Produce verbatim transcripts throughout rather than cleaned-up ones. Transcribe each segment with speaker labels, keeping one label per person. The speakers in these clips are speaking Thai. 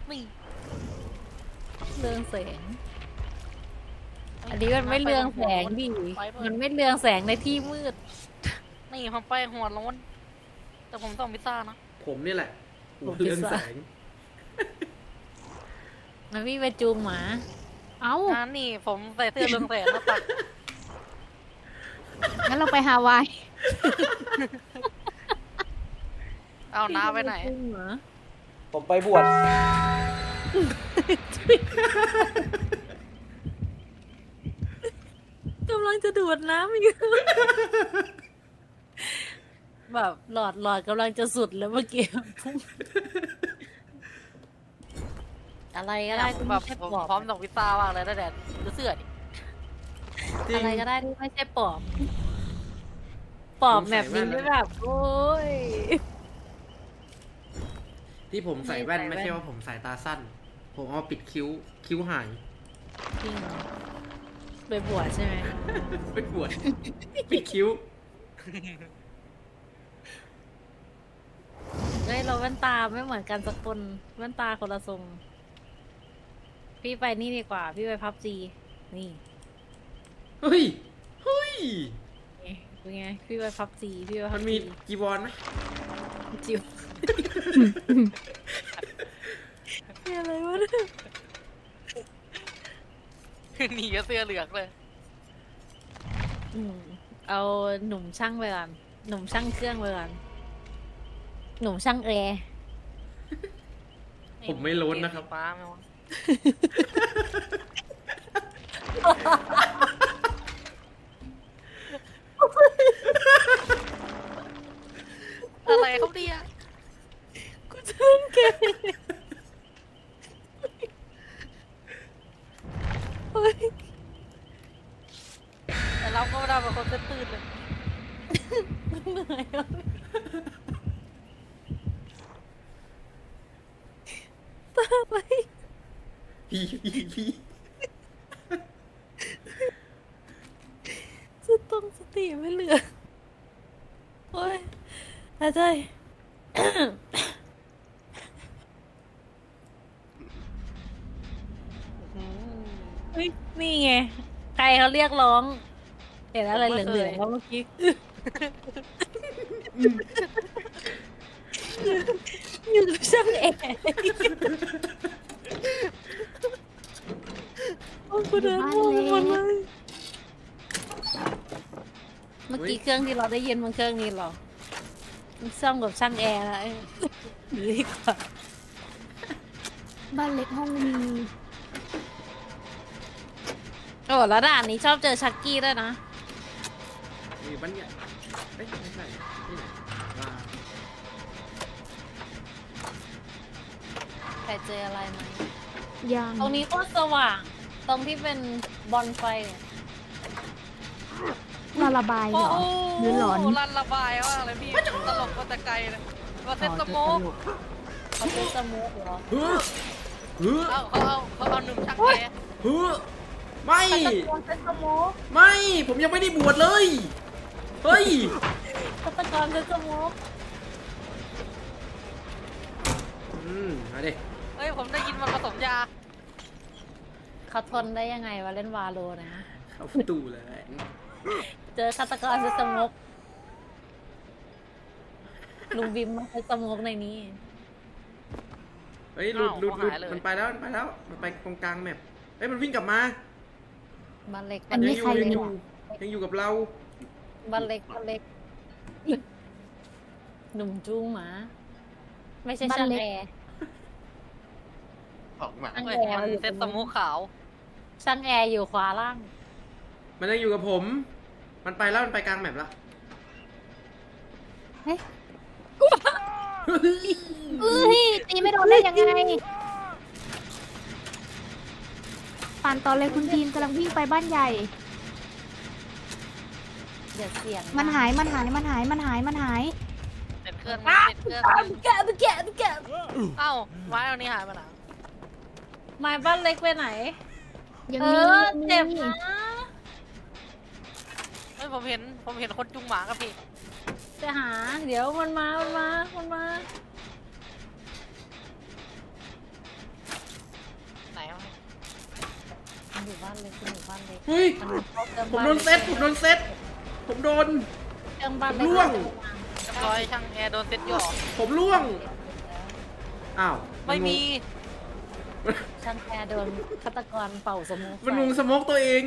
Speaker 1: นี่
Speaker 2: เรืองแสงอันนี้มันไม่เรืองแสงดิมันไม่เรืองแสงในที่มืด
Speaker 1: นี่ผมไปหัวโล้นแต่ผมต้องพิซซ่านะ
Speaker 3: ผมนี่แหละหัวเรืองแสง
Speaker 2: มันวิ่งไปจูงหมาเอ้า
Speaker 1: อ่านี่ผมใส่เสื้อเรืองแสงแล้วตัด
Speaker 4: งั้นเราไปฮาวาย
Speaker 1: เอาน้าไปไหน
Speaker 3: ผมไปบวช
Speaker 2: กำลังจะดูดน้ำอยู่แบบหลอดหลอดกำลังจะสุดแล้วเมื่อกี้อะไรก็ได้ที่
Speaker 1: แบ
Speaker 2: ไม่
Speaker 1: บ
Speaker 2: ใช่
Speaker 1: ผม
Speaker 2: ปอบ
Speaker 1: พร้อมส่งพิซซ่ามากเลยนะแดดดูเสื้อดิ
Speaker 2: อะไรก็ได้ที่ไม่ใช่ปอบปอบแบบนี้ไม่แบบโอ้ย
Speaker 3: ที่ผมใส่แว่นไม่ใช่ว่าผมสายตาสั้นผมเอาปิดคิ้วคิ้วหาย
Speaker 2: จริงไปบวชใช่ไหม
Speaker 3: ไปบวชปิดคิ้ว
Speaker 2: เฮ้ยเราแว่นตาไม่เหมือนกันสักคนแว่นตาคนละทรงพี่ไปนี่ดีกว่าพี่ไปพับจีนี่
Speaker 3: เฮ้ยเฮ้ย
Speaker 2: เป็นไงพี่ไปพับจีพี่ไปพับจี
Speaker 3: มันมีจีวรไหม
Speaker 2: จิ๋วนี่อะไรวะเนี่ย
Speaker 1: หนีกับเสื้อเหลืองเลย
Speaker 2: อืมเอาหนุ่มช่างไปก่อนหนุ่มช่างเครื่องไปก่อนหนุ่มช่างแอร์
Speaker 3: ผมไม่ล้นนะครับ
Speaker 1: ป้าไม่วะอะไรเขาดีอ่ะ
Speaker 2: กูเชิญแก
Speaker 1: แต่เราก็ไม่ได้เป็นคนตื่นเลย
Speaker 2: เหนื่อยอ่ะตาไป
Speaker 3: พี่พี่พี่
Speaker 2: จะต้องสติไม่เหลือโอ้ยหายใจเฮ้ยนี่ไงใครเขาเรียกร้องเห็นอะไรเหลืองๆแล้วเมื่อกี้อยู่กับช่างแอร์โอ้กูเดินมองหมดเลยเมื่อกี้เครื่องที่เราได้ยินมันเครื่องนี้หรอมันซ่อมกับช่างแอร์แล้วดีกว่า
Speaker 4: บ้านเล็กห้องมี
Speaker 2: โอ้แล้วด่านนี้ชอบเจอชักกี้ด้วยนะ
Speaker 3: มีบ้านใหญ่เอ้ยไม่ใช่นี่ไหนว่า
Speaker 2: ใครเจออะไรไหม
Speaker 4: ยัง
Speaker 2: ตรงนี้ก็สว่างตรงที่เป็นบอลไฟ
Speaker 4: เราระบายเหรอหรือหลอน
Speaker 1: รันระบายว่าอะไรพี่ตลกมาแต่ไกลเลยว่าเซ็ตสโมก
Speaker 2: เขาเป็นสมุกเหรอ
Speaker 3: เฮ้อเฮ้อ
Speaker 1: เอาเขาเอาเขาเอาหนุ่มชักแก
Speaker 3: เฮ้อไม่
Speaker 2: เป็นสมุก
Speaker 3: ไม่ผมยังไม่ได้บวชเลยเฮ้ย
Speaker 2: ฆาตกรเป็นสมุก
Speaker 3: อืมมาดิ
Speaker 1: เฮ้ยผมได้ยินมันผสมยา
Speaker 2: เขาทนได้ยังไงวะเล่นวาโลนะ
Speaker 3: เข้าประตูเลย
Speaker 2: เจอฆาตกรเป็นสมุกลุงบิมมาเป็นสมุกในนี้
Speaker 3: เฮ้ยหลุดหลุดหลุดมันไปแล้วมันไปแล้วมันไปตรงกลางแมปเฮ้ยมันวิ่งกลับมา
Speaker 2: บ้านเล็ก
Speaker 4: อันนี้ใคร
Speaker 3: ยังอ
Speaker 4: เลย
Speaker 3: ยู่ยังอยู่กับเรา
Speaker 2: บ้านเล็กบ้านเล็กหนุ่มจูงหมาไม่ใช่ช่างแอร์
Speaker 1: ออกมามันเซ็ตสโมกขาว
Speaker 2: ช่างแอร์อยู่ขวาล่าง
Speaker 3: มันยังอยู่กับผมมันไปแล้วมันไปกลางแมปแล้ว
Speaker 4: เฮ้ยเอ้ยตีไม่โดนได้ยังไงปั่นต่อเลยคุณทีมกำลังวิ่งไปบ้านใหญ่
Speaker 2: เดี๋ยวเสียง
Speaker 4: มันหายมันหายมันหายมันหายมันหาย
Speaker 1: เป็นเครื่องเป็นเครื่อง
Speaker 2: แกะแกะแกะ
Speaker 1: เอ้าไม้เอานี่หายไปไหน
Speaker 2: ไม้บ้านเล็กไปไหน
Speaker 4: ยังมี
Speaker 2: เจ็บนะ
Speaker 1: เฮ้ยผมเห็นผมเห็นคนจุงหมากับพี่
Speaker 2: จะหาเดี๋ยวมันมามันมามันมาบ้านเล็กคุณอยู่บ้านเล็ก
Speaker 3: เฮ้ย
Speaker 2: มันเข้าเครื่อง
Speaker 3: ผม
Speaker 2: บ้าน
Speaker 3: โดนเซตผมโดนเซตผมโดน
Speaker 2: เครื่องบ้านเล็ก
Speaker 3: ล่วง
Speaker 1: เรียบร้อยช่างแอร์โดนเซ็ตหย่อ
Speaker 3: ผมล่วงอ้าว
Speaker 1: ไม่มี
Speaker 2: ช่างแอร์โดนฆาตกรเป่าสมุน
Speaker 3: มันงงสโมกตัวเอง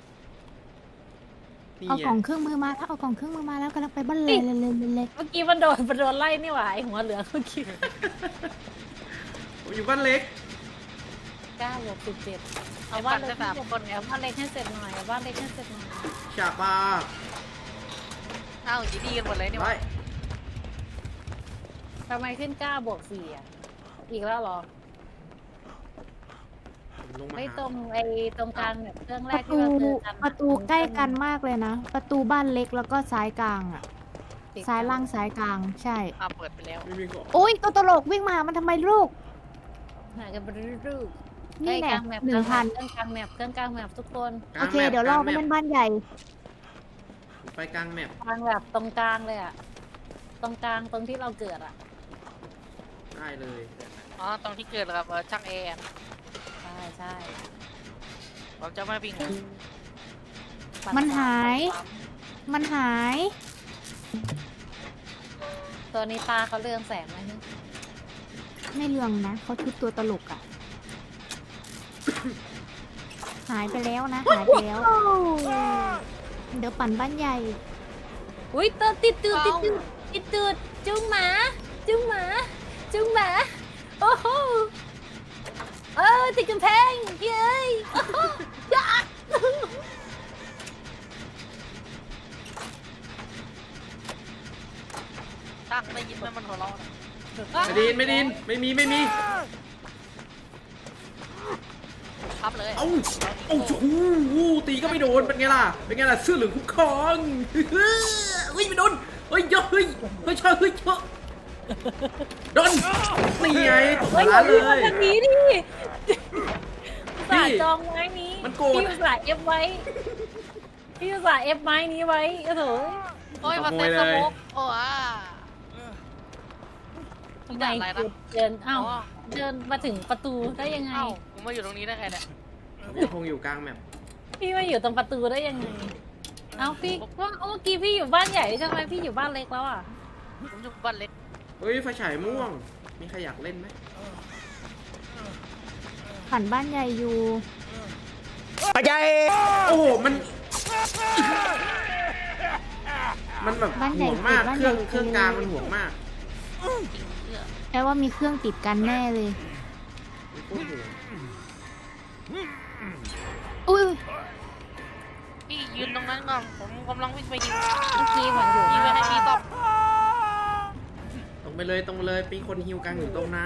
Speaker 3: นี่
Speaker 4: เอา
Speaker 3: ไง
Speaker 4: กล่องเครื่องมือมาถ้าเอากล่องเครื่องมือมาแล้วกำลังไปบ้านเลยเลยเลยเลย
Speaker 2: เมื่อกี้มันโดนมันโดนไล่นี่หว่าไอหัวเหลืองเมื่อกี้
Speaker 3: ผมอยู่บ้านเล็ก
Speaker 2: เก้าบวกสิบเจ็ดเอาบ้านเล็กให้เสร็จเอาบ้านเล็กให้เสร็จหน่อยเอาบ้านเล็กให้เสร็จหน่อย
Speaker 3: ฉาปา
Speaker 1: อ้าวจีดีกันหมดเลยนี่ห
Speaker 3: ไป
Speaker 1: ว่า
Speaker 2: ทำไมขึ้นเก้าบวกสี่อ่ะอีกแล้วเหรอ
Speaker 3: ผมลงมา
Speaker 2: ไม่
Speaker 3: หา
Speaker 2: ตรงไอตรงกลางแบบเครื่องแร
Speaker 4: ป
Speaker 2: ก
Speaker 4: ระ
Speaker 2: ที่
Speaker 4: ตู
Speaker 2: เราเจอกัน
Speaker 4: ประตูใกล้กันมากเลยนะ ประตูบ้านเล็กแล้วก็ซ้ายกลางอ่ะ ซ้ายล่างซ้ายกลางใช่
Speaker 1: อ้าวเปิดไปแล้ว
Speaker 3: ไม่มีของ
Speaker 4: โอ้ยตัวตลกวิ่งมามันทำไมลูก
Speaker 2: หากันไปรูป
Speaker 4: นี่แหละ
Speaker 2: กลางแมป
Speaker 4: หนึ่งพัน
Speaker 2: เครื่องกลางแมปเครื่องกลางแมปทุกคน
Speaker 3: กลา
Speaker 4: โอง เค
Speaker 3: แมป
Speaker 4: เดี๋ยวรอก
Speaker 3: ลาง
Speaker 4: ไป
Speaker 3: แมป
Speaker 4: เล่นบ้านใหญ่
Speaker 3: ไปกลางแมป
Speaker 2: กลางแบบตรงกลางเลยอ่ะตรงกลางตรงที่เราเกิดอ่ะ
Speaker 3: ได้เลย
Speaker 1: อ๋อตรงที่เกิดกับเอ่อช่างแอร์
Speaker 2: ใช่ใช่
Speaker 1: ผมจะไม่วิ่ง
Speaker 4: มันหาย มันหาย
Speaker 2: ตัวนี้ตาเขาเรืองแสงไหมเนี่ย
Speaker 4: ไม่เรื่องนะเขาชุดตัวตลกอ่ะ หายไปแล้วนะ หายไปแล้ว เดี๋ยวปั่นบ้านใหญ่
Speaker 2: อุ้ยตัวติดตืดติดตืดติดตืดจุ้งหมาจุ้งหมาจุ้งหมาโอ้โหเออติดกำแพงเย้ยโอ้โหยะ
Speaker 1: ช่างได้ยินไหมมันหัวเราะนะ
Speaker 3: ไม่ดินไม่ดินไม่มีไม่มี
Speaker 1: พับเลย
Speaker 3: เอ้าเอ้าชูวูตีก็ไม่โดนเป็นไงล่ะเป็นไงล่ะเสื้อเหลืองคุ้มครองเฮ้ยไม่โดนเฮ้ยเยอะเฮ้ยเฮ้ยชอบเฮ้ยเยอะโดนนี่ไงตก
Speaker 2: เฮ้ย
Speaker 3: ร้าน
Speaker 2: พี่
Speaker 3: เล
Speaker 2: มาย ทางนี้ดิอุตส่าห์
Speaker 3: พี่
Speaker 2: จองไม้นี้
Speaker 3: มันโกรธ
Speaker 2: พี่อุตส่าห์เอฟไว้พี่อุตส่าห์เอฟไม้นี้ไว้โอ้โห
Speaker 1: โอ้ยมาเซ็ตสโมกโอ้อ่า
Speaker 2: ทำไม
Speaker 1: ด่านอะไรนะ
Speaker 2: เดินเอ้า
Speaker 1: อ๋อ
Speaker 2: เดินมาถึงประตูได้ยังไง
Speaker 1: เอ้าผมมาอยู่ตรงนี้ได้ไงเนี่ย
Speaker 3: ผมยังคงอยู่กลางแมป
Speaker 2: พี่มาอยู่ตรงประตูได้ยังไง เอ้าพี่ว่าเมื่อกี้พี่อยู่บ้านใหญ่ใช่ไหมพี่อยู่บ้านเล็กแล้วอ่ะ
Speaker 1: ผมอยู่บ้านเล็ก
Speaker 3: เฮ้ยไฟฉายม่วงมีใครอยากเล่นไหม
Speaker 4: ปั่นบ้านใหญ่อยู่
Speaker 3: โอ้โหมันมันแบบ
Speaker 4: บ้านใหญ่
Speaker 3: ห่วงมาก
Speaker 4: บ้าน
Speaker 3: เค
Speaker 4: ใหญ่
Speaker 3: รื่องเครื่องกลางมันห่วงมาก
Speaker 4: แปลว่ามีเครื่องติดกันแน่เลย
Speaker 3: มันโคตรห่วง
Speaker 4: อุ้ย
Speaker 1: พี่ยืนตรงนั้นก่อนผมกำลังวิ่งไปยิง
Speaker 2: เมื่อกี้เหมือนอยู่
Speaker 1: ยิงไปให้พี่ตบ
Speaker 3: ตรงไปเลยตรงไปเลยปีคนฮิวกลางอยู่ตรงนะ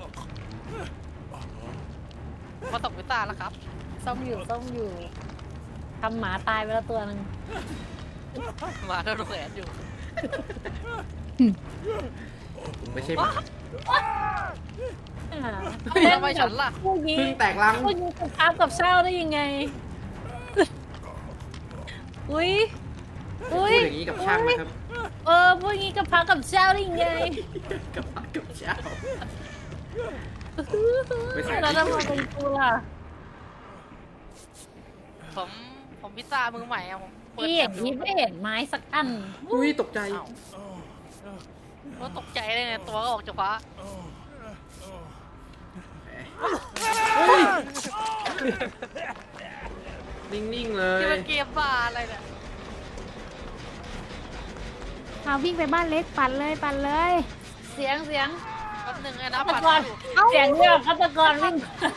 Speaker 1: มาตกวิตาแล้วครับ
Speaker 2: ส้มอยู่ส้มอยู่ทำหมาตายไปแล้วตัวหนึ่ง
Speaker 1: มาโดนแขวนอยู่
Speaker 3: ผมไม่ใช่หมา
Speaker 2: อ่า
Speaker 1: เฮ้ยทำไมฉันล่ะ
Speaker 2: พวกนี้
Speaker 3: เพิ่งแตกลัง
Speaker 2: พวกนี้กับข้าวกับเช่าได้ยังไง อุ้ย
Speaker 3: พู
Speaker 2: อุ้
Speaker 3: ด
Speaker 2: ย
Speaker 3: อย่างนี้กับช่างนะครับ
Speaker 2: เออพวกนี้กับพักกับเช่าได้ยังไง
Speaker 3: กับพักกับเช้า ไม่ใส่
Speaker 2: แล้วทำไมเป็นกูล่ะ
Speaker 1: ผมผมพิซซ่ามือใหม่อะผมเปิด
Speaker 2: พี่อย่างนี้ไม่เห็นไม้สักอัน
Speaker 3: อุ้ยตกใจ
Speaker 1: เอ้าก็ตกใจเลยไงตัวก็ออกจากฟ้า
Speaker 3: เฮ้ยนิ่งๆเล
Speaker 1: ที่
Speaker 3: ย
Speaker 1: มันเกมบ้าอะไรเนี่ย
Speaker 4: เอาวิ่งไปบ้านเล็กปั่นเลยปั่นเลย
Speaker 2: เสียงเสียง
Speaker 1: แป๊บหนึงไงนะ
Speaker 2: ฆาต
Speaker 1: ปัด
Speaker 2: กร
Speaker 1: อยู่
Speaker 2: เสียงเนี่ยฆาตกรวิ่ง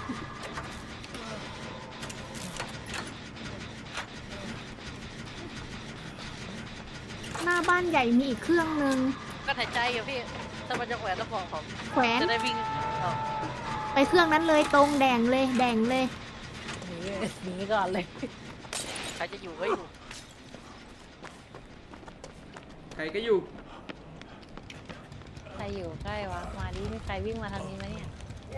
Speaker 4: หน้าบ้านใหญ่มีอีกเครื่องนึง
Speaker 1: ก็หายใจอยู่พี่ถ้ามันจะแขวนแล้วบอกผม
Speaker 4: แขวน
Speaker 1: จะได้วิ่งเอา
Speaker 4: ไปเครื่องนั้นเลยตรงแดงเลยแดงเลย
Speaker 2: หนีหนีก่อนเลย
Speaker 1: ใครจะอยู่ก็อยู่
Speaker 3: ใครก็อยู่
Speaker 2: ใครอยู่ใกล้วะมาดิมีใครวิ่งมาทางนี้ไหมเนี่ย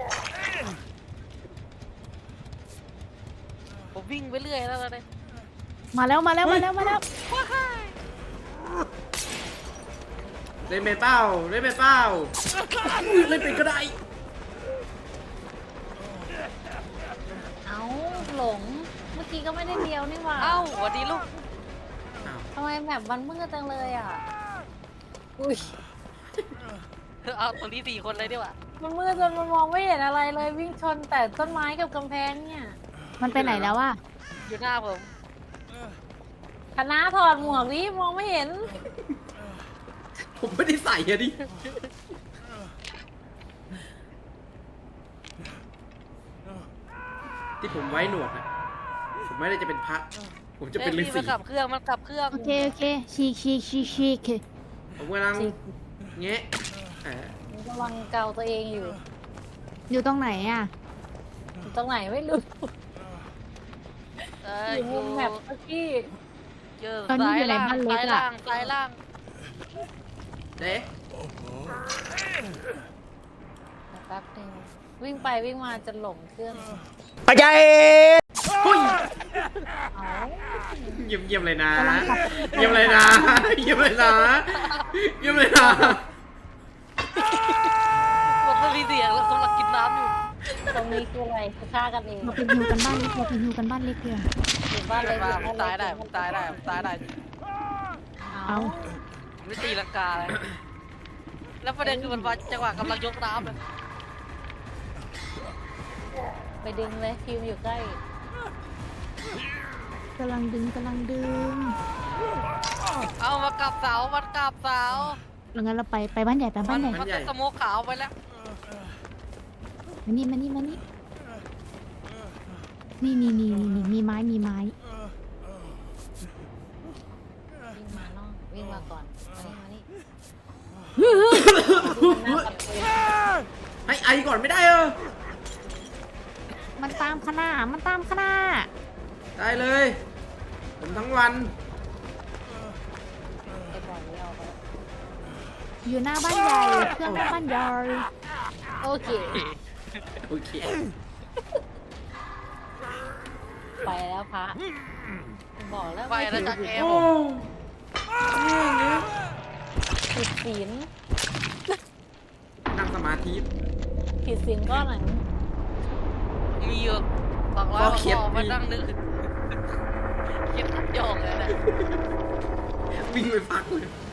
Speaker 1: ผมวิ่งไปเรื่อยแล้วตอนนี้
Speaker 4: มาแล้วมาแล้วมาแล้วมาแล้ว
Speaker 3: เล่นไปเป้าเล่นไปเป้าอุ้ยเล่นไปก็ได้
Speaker 2: เอ้าหลงเมื่ออกี้ก็ไม่ได้เลี้ยวนี่หว่า
Speaker 1: เอ้าสวัสดีลูก
Speaker 3: อ้าว
Speaker 2: ทำไมแบบมันมืดจังเลยอ่ะอุ้ย
Speaker 1: เอาตรงนี้สี่คนเลยดีกว่า
Speaker 2: มันมืดจนมันมองไม่เห็นอะไรเลยวิ่งชนแต่ต้นไม้กับกำแพงเนี่ย
Speaker 4: มันไปไหนแล้วอะ
Speaker 1: อยู่หน้าผม
Speaker 2: คณะถอดหมวกนี่มองไม่เห็น
Speaker 3: ผมไม่ได้ใส่อะดิ ที่ผมไว้หนวดอะผมไม่ได้จะเป็นพระ ผมจะเป็นฤา
Speaker 1: อ้ย
Speaker 3: ษี
Speaker 1: มันกลับเครื่องมันกลับเครื่อง
Speaker 4: โอเคโอเคชีกชีกชีกชีก
Speaker 3: ผมกำลังแงะอ่า
Speaker 2: มันกำลังเกาตัวเองอยู่
Speaker 4: อยู่ตรงไหนอะ
Speaker 2: อยู่ตรงไหนไม่รู้
Speaker 1: เอ
Speaker 2: อ
Speaker 1: อยู่
Speaker 2: มุมแบบเมื่อกี้
Speaker 1: เจอ
Speaker 4: ตอนนี้
Speaker 1: ซ้าย
Speaker 4: อยู่ใน
Speaker 1: ล่าง
Speaker 4: บ้านเล็ก
Speaker 1: ซ้าย
Speaker 4: อะ
Speaker 1: ล่างซ้ายล่าง
Speaker 3: เด้
Speaker 2: แป๊บนึงวิ่งไปวิ่งมาจะหลงเครื่อง
Speaker 3: ปัจจัยหุ้ย
Speaker 2: เอา
Speaker 3: เยี่ยมเยี่ยมเลยนะ เยี่ยมเลยนะ เยี่ยมเลยนะ เยี่ยมเลยนะ
Speaker 1: มันไม่มีเสียงแล้วกำลังกินน้ำอยู่
Speaker 2: ตรงนี้คืออะไรคือฆ่ากันเอง
Speaker 4: เราเป็นฮิวกันบ้านเล็กเราเป็นฮิวกันบ้านเล็กเพียง
Speaker 2: อยู่บ้านเลย
Speaker 1: มาผมตายได้ผมตายได้ผมตายได้
Speaker 2: เอา
Speaker 1: ไม่ตีลังกาเลย แล้วประเด็นคือมันมาจังหวะกำลังยกน้ำเลย
Speaker 2: ไปดึงเลยฟิวอยู่ใกล้
Speaker 4: กำลังดึงกำลังดึง
Speaker 1: เอามากลับเสามันกลับเสา
Speaker 4: แล้วงั้นเราไปไปบ้านใหญ่ไป
Speaker 1: มั
Speaker 4: บ้าน นใหญ่
Speaker 1: มันจะสโมกขาวไปแล้ว
Speaker 4: มานี่มานี่มานี่นี่นี่นี่นี่มีไม้มีไม้
Speaker 2: วิ่งมาน้องวิ่งมาก่อนมานี่มานี่
Speaker 3: ให้ไอก่อนไม่ได้เออ
Speaker 4: มันตามขนาดมันตามขนาด
Speaker 3: ได้เลย ผมทั้งวัน
Speaker 2: ไอ้บอลนี่เอาไป
Speaker 4: อยู่หน้าบ้านใหญ่เครื่องหน้าบ้านใหญ่
Speaker 2: โอเค
Speaker 3: โอเค
Speaker 2: ไปแล้วพระบอกแล้ว
Speaker 1: ไปแล้วจากเอ
Speaker 3: โอ้
Speaker 1: ผม
Speaker 2: ผิดศีล
Speaker 3: นั่งสมาธิ
Speaker 2: ผิดศีลก้อนไหน
Speaker 1: มีอยู่สองร้อย
Speaker 3: พ
Speaker 1: ก
Speaker 3: อ
Speaker 1: ว่า
Speaker 3: เขียน
Speaker 1: ข้อมานั่งนึกคิดขัดโยกเลยนะ
Speaker 3: วิ่งไปพักเลย